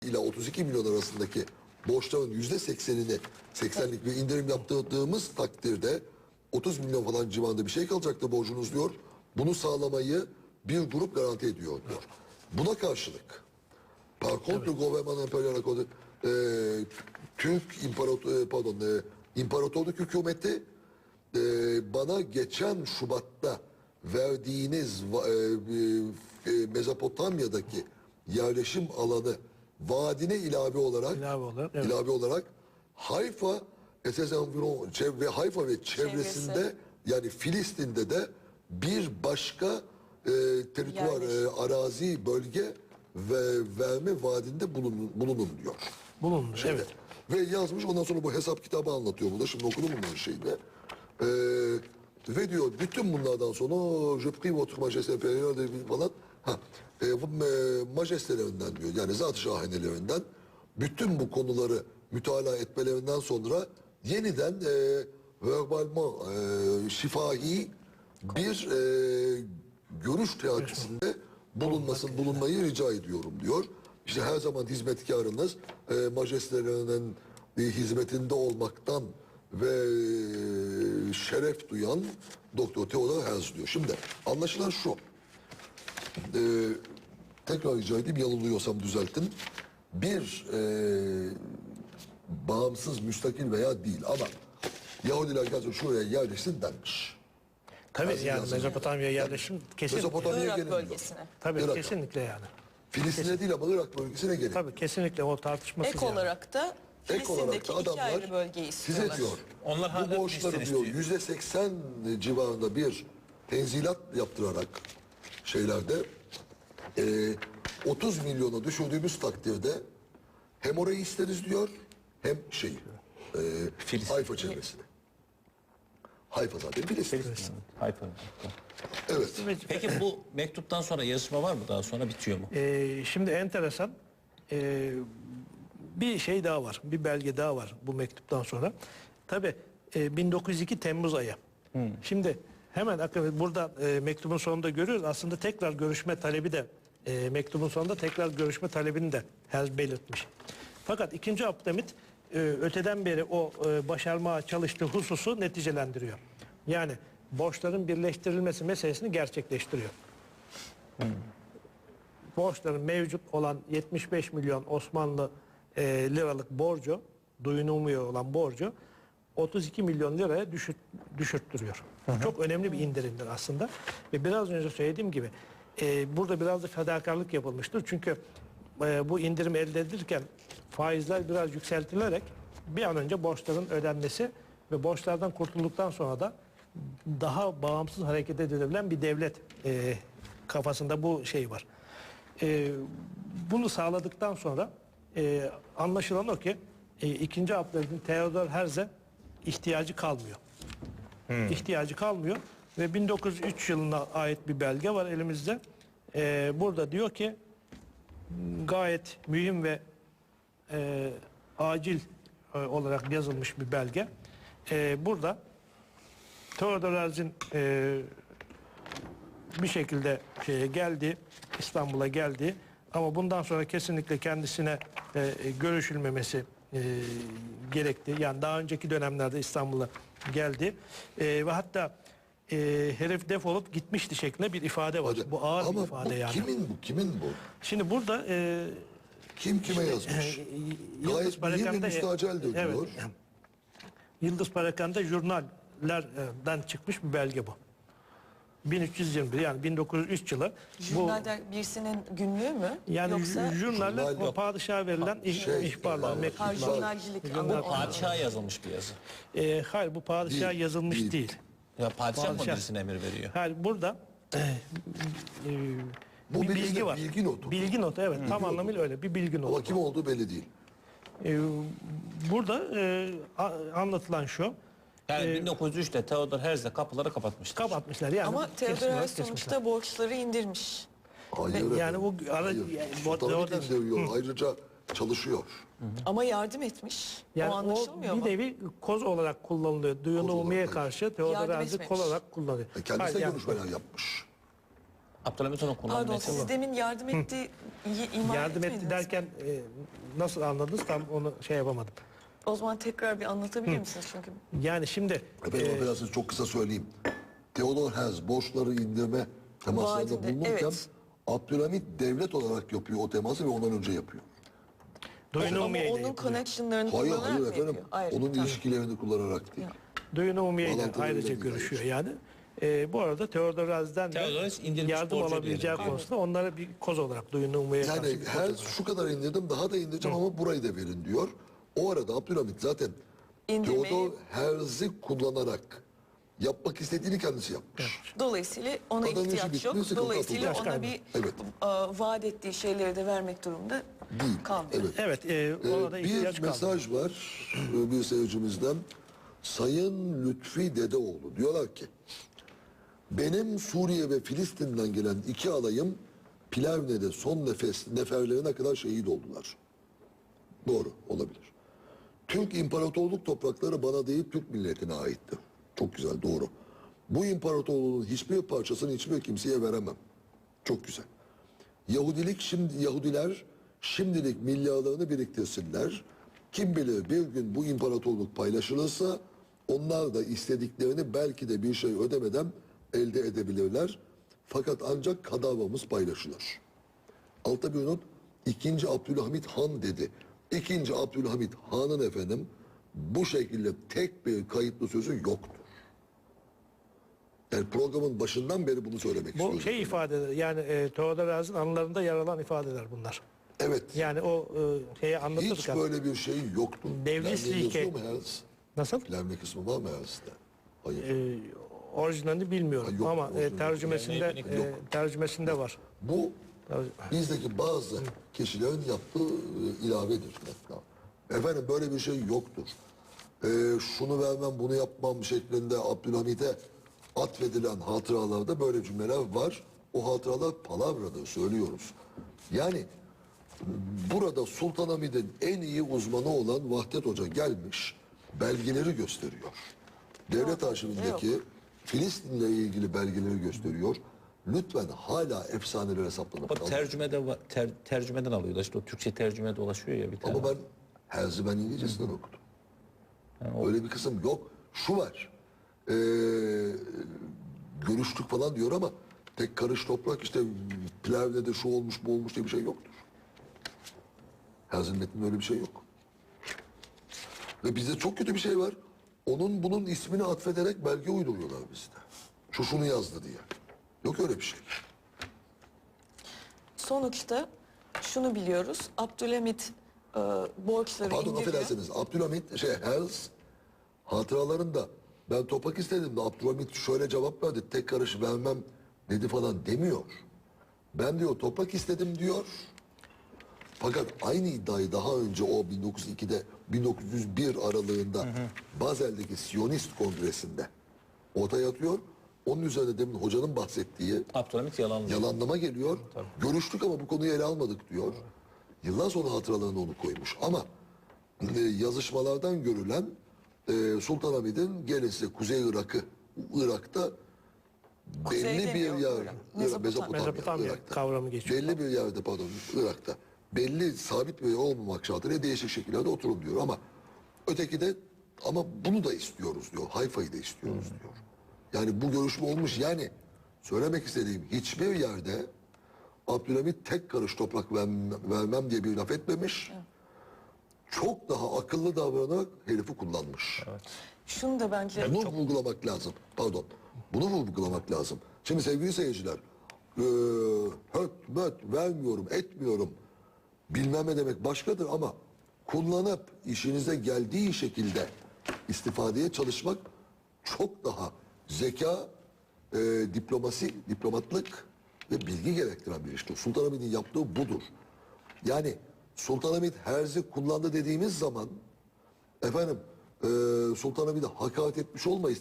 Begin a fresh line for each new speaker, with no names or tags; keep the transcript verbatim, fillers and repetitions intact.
ila otuz iki milyon arasındaki borçların yüzde seksenini seksenlik bir indirim yaptırdığımız takdirde otuz milyon falan civarında bir şey kalacaktı borcunuz diyor. Bunu sağlamayı bir grup garanti ediyor diyor. Buna karşılık par contre le gouvernement impérial accordu, e, Türk imparator pardon e, imparatorluk hükümeti e, bana geçen Şubat'ta verdiğiniz e, e, Mezopotamya'daki yerleşim alanı vaadine ilave olarak
İlave olarak, evet.
ilave olarak Hayfa esas environ ve Hayfa ve çevresinde
Çevresi.
yani Filistin'de de bir başka e, terituar, e, arazi, bölge ve verme vaadinde bulunun, bulunun diyor.
Bulundu,
Şeyde.
evet.
Ve yazmış, ondan sonra bu hesap kitabı anlatıyor burada. Şimdi okudum bunların şeyini. Ee, ve diyor bütün bunlardan sonra je prie votre majesté impériale falan ha, e, bu e, majestelerinden diyor, yani zat-ı şahanelerinden bütün bu konuları mütalaa etmelerinden sonra yeniden e, verbalman e, şifahi bir e, görüş teatisinde bulunmasın, bulunmayı rica ediyorum diyor. İşte her zaman hizmetkarınız e, majestelerinin e, hizmetinde olmaktan ve e, şeref duyan Doktor Theodor Herzl diyor. Şimdi anlaşılan şu. E, tekrar rica edeyim, yanılıyorsam düzeltin. Bir e, bağımsız, müstakil veya değil ama Yahudiler gelsin şuraya yerleşsin denmiş.
Tabii
Herzl
yani
yazın.
Mezopotamya yerleşim kesin.
Mezopotamya'ya
Irak
gelin diyor.
bölgesine.
Tabii
Irak.
kesinlikle yani.
Filistin'e değil ama Irak bölgesine gelin.
Tabii kesinlikle o tartışmasız
Ek
yani.
olarak da
Ek olarak
Filistin'deki
da
iki ayrı
adamlar
bölgeyi
size
istiyorlar.
diyor,
Onlar
bu
hala
borçları
Filistin
diyor
istiyor.
yüzde seksen civarında bir tenzilat yaptırarak şeylerde e, otuz milyona düşürdüğümüz takdirde hem orayı isteriz diyor hem şey e,
Filistin.
Hayfa çevresini. Hayfa zaten Filistin.
Hayfa.
Evet.
Peki bu mektuptan sonra yazışma var mı, daha sonra bitiyor mu?
Ee, şimdi enteresan ee, bir şey daha var. Bir belge daha var bu mektuptan sonra. Tabii e, bin dokuz yüz iki Temmuz ayı. Şimdi hemen akabinde burada e, mektubun sonunda görüyoruz. Aslında tekrar görüşme talebi de e, mektubun sonunda tekrar görüşme talebini de Herzl belirtmiş. Fakat ikinci Abdülhamit e, öteden beri o e, başarmaya çalıştığı hususu neticelendiriyor. Yani borçların birleştirilmesi meselesini gerçekleştiriyor. Borçların mevcut olan yetmiş beş milyon Osmanlı e, liralık borcu, duyulmuyor olan borcu otuz iki milyon liraya düşürt, düşürttürüyor. Hı hı. Çok önemli bir indirimdir aslında. Ve biraz önce söylediğim gibi e, burada biraz da fedakarlık yapılmıştır. Çünkü e, bu indirim elde edilirken faizler biraz yükseltilerek bir an önce borçların ödenmesi ve borçlardan kurtulduktan sonra da daha bağımsız hareket edilebilen bir devlet e, kafasında bu şey var. E, bunu sağladıktan sonra e, anlaşılan o ki e, ikinci Abdülhamid'in Theodor Herzl'e ihtiyacı kalmıyor. Hmm. İhtiyacı kalmıyor ve bin dokuz yüz üç yılına ait bir belge var elimizde. E, burada diyor ki gayet mühim ve e, acil e, olarak yazılmış bir belge. E, burada Theodor Herzl'in e, bir şekilde şeye geldi, İstanbul'a geldi ama bundan sonra kesinlikle kendisine e, görüşülmemesi e, gerekti. Yani daha önceki dönemlerde İstanbul'a geldi e, ve hatta e, herif defolup gitmişti şeklinde bir ifade var.
Hadi.
Bu ağır
Ama
bir ifade
bu
yani.
kimin bu? Kimin bu?
Şimdi burada e,
Kim kime yazmış?
e,
Gayet mühim ve müstaceldir
evet,
diyor.
Yıldız Parakan'da jurnallerden çıkmış bir belge bu. bin üç yüz yirmi bir yani bin dokuz yüz üç yılı. Bu
Jurnalde birisinin günlüğü mü?
yani
Yoksa
jurnaller
Jurnal
o
yok.
padişaha verilen ih-
Şey,
ihbarlar,
ha,
ha,
mektuplar.
jurnalcilik
Jurnal-
anlamında.
Padişaha yazılmış bir yazı.
E, hayır bu padişaha
Değil,
yazılmış
değil.
değil.
Ya padişah mı
Padişah.
birisine emir veriyor?
Hayır burada e, e,
Bu
bir
bir
bilgi
de
var.
bilgi notu.
Bilgi notu evet tam
notu.
anlamıyla öyle bir bilgi notu.
Ama kim olduğu belli değil.
E, burada e, a- anlatılan şu.
Yani
Ee,
bin dokuz yüz üçte Theodor Herzl kapıları kapatmıştır.
Kapatmışlar yani.
Ama
kesin
Theodor
olarak
Herzl
kesmişler.
sonuçta borçları indirmiş.
Hayır.
yani
efendim,
bu ara-
hayır.
yani bu-
Sultanahmet
orada-
indiriyor. Ayrıca çalışıyor.
Ama yardım etmiş.
Yani
o
o,
anlaşılmıyor
bir
mu?
nevi koz olarak kullanılıyor. Duyunu
olarak,
umumiye
evet.
karşı Theodor
Yardım
Herzl
etmemiş.
kol olarak kullanılıyor.
E, Kendisi
Hayır,
de
yani-
görüşmeler yapmış.
Abdülhamit onu
Pardon,
kullanmaya
siz demin yardım etti, iyi ima
Yardım
etmediniz
etti
mi?
derken e, nasıl anladınız tam onu şey yapamadım.
O zaman tekrar bir anlatabilir misiniz? Çünkü
Yani şimdi
Efendim
e,
affedersiniz çok kısa söyleyeyim. Theodor Herzl borçları indirme temaslarında
Vaadinde,
bulunurken
evet.
Abdülhamit devlet olarak yapıyor o teması ve ondan önce yapıyor.
Duyun
ama
Umumiye ile
onun
yapılıyor.
connection'larını
Hayır
kullanarak
hayır
mı
efendim.
yapıyor? Ayrı,
Onun
tamam.
ilişkilerini kullanarak değil.
Duyun Umumiye ile
Bağlantılı
ayrıca
öyle bir
görüşüyor
ayrıca.
yani. E, bu arada Theodor Herzl'den de
Theodor Herzl indirmiş
yardım
borcu
alabileceği
diyelim.
konusunda onlara bir koz olarak Duyun Umumiye'ye karşı
Yani
bir koz
her
olarak.
şu kadar indirdim daha da indireceğim ama burayı da verin diyor. O arada Abdülhamit zaten
İndirmeyi-
Theodor Herzl'i kullanarak yapmak istediğini kendisi yapmış.
Dolayısıyla ona
Adamın işi
ihtiyaç
bitti,
yok.
sıkıntı
Dolayısıyla
atıldı.
ona bir
Evet.
e, vaat ettiği şeyleri de vermek durumunda
Değil.
kalmıyor.
Evet.
Evet, e,
Ee,
ona da ihtiyaç
bir
kaldı.
mesaj var e, bir seyircimizden. Sayın Lütfi Dedeoğlu diyorlar ki benim Suriye ve Filistin'den gelen iki alayım Plevne'de son nefes neferlerine kadar şehit oldular. Doğru olabilir. Türk İmparatorluk toprakları bana değil Türk milletine aitti. Çok güzel doğru. Bu imparatorluğun hiçbir parçasını hiçbir kimseye veremem. Çok güzel. Yahudilik şimdi Yahudiler şimdilik milyarlarını biriktirsinler. Kim bilir bir gün bu imparatorluk paylaşılırsa onlar da istediklerini belki de bir şey ödemeden elde edebilirler. Fakat ancak kadavramız paylaşılır. Altta bir not. İkinci Abdülhamit Han dedi. İkinci Abdülhamit Han'ın efendim bu şekilde tek bir kayıtlı sözü yoktur. Yani programın başından beri bunu söylemek istiyorum.
Bu şey ifadeler yani e, Theodor Herzl'in anılarında yer alan ifadeler bunlar.
Evet.
Yani o e, şeyi
Hiç
anlatırken
böyle bir şey yoktu.
Devlislik-
Plevne yazıyor mu Herzl?
nasıl?
Plevne kısmı var mı Herzl'de? Hayır.
E, orijinalini bilmiyorum
Ha, yok,
ama
orijinali
e,
yok.
tercümesinde
Yani
e, tercümesinde var.
Bu
Tercü-
bizdeki bazı kişilerin yaptığı e, ilavedir. Hatta. Efendim böyle bir şey yoktur. E, şunu vermem bunu yapmam şeklinde Abdülhamit'e atfedilen hatıralarda böyle cümleler var. O hatıralar palavradır söylüyoruz. Yani burada Sultanahmet'in en iyi uzmanı olan Vahdet Hoca gelmiş belgeleri gösteriyor. Devlet arşivindeki Filistin'le ilgili belgeleri gösteriyor. Lütfen hala efsanelere saplanıp
Bak
kalmayın.
tercümede va- ter, tercümeden alıyor da işte o Türkçe tercüme dolaşıyor ya bir tane.
Ama ben Herzl'i ben İngilizcesinden okudum. Öyle bir kısım yok. Şu var. Ee, görüştük falan diyor ama tek karış toprak işte Plevne'de şu olmuş bu olmuş diye bir şey yoktur. Herzl'in metninde öyle bir şey yok. Ve bizde çok kötü bir şey var. Onun bunun ismini atfederek belge uyduruyorlar bizde. Şu şunu yazdı diye. Yok öyle bir şey.
Sonuçta şunu biliyoruz. Abdülhamit e, borçları
Pardon
indiriyor.
affedersiniz. Abdülhamit şey Herzl hatıralarında ben topak istedim de Abdülhamit şöyle cevap verdi. Tek karış vermem dedi falan demiyor. Ben diyor toprak istedim diyor. Fakat aynı iddiayı daha önce o bin dokuz yüz ikide bin dokuz yüz bir aralığında Bazel'deki Siyonist Kongresi'nde ortaya atıyor. Onun üzerine demin hocanın bahsettiği
Abdülhamit yalanlıyor.
yalanlama geliyor. Görüştük ama bu konuyu ele almadık diyor. Yıllar sonra hatıralarına onu koymuş. Ama e, yazışmalardan görülen e, Sultanahmet'in gelisi Kuzey Irak'ı, Irak'ta
Kuzey
belli bir
demiyor,
yer,
Irak.
Mezopotamya,
Mezopotamya.
Mezopotamya
Irak'ta.
kavramı geçiyor.
Belli bir yerde pardon Irak'ta. Belli sabit bir yer olmamak şartıyla değişik şekillerde oturun diyor ama öteki de ama bunu da istiyoruz diyor. Hayfa'yı da istiyoruz diyor. Yani bu görüşme olmuş yani söylemek istediğim hiçbir yerde Abdülhamit tek karış toprak vermem, vermem diye bir laf etmemiş. Çok daha akıllı davranarak herifi kullanmış.
Şunu da bence
Bunu vurgulamak lazım. Pardon. Bunu vurgulamak lazım. Şimdi sevgili seyirciler, eee höt möt vermiyorum, etmiyorum. Bilmem ne demek başkadır ama kullanıp işinize geldiği şekilde istifadeye çalışmak çok daha zeka, eee, diplomasi, diplomatlık ve bilgi gerektiren bir iştir. Sultanahmet'in yaptığı budur. Yani Sultanahmet Herz'i kullandı dediğimiz zaman efendim eee Sultanahmet'e hakaret etmiş olmayız.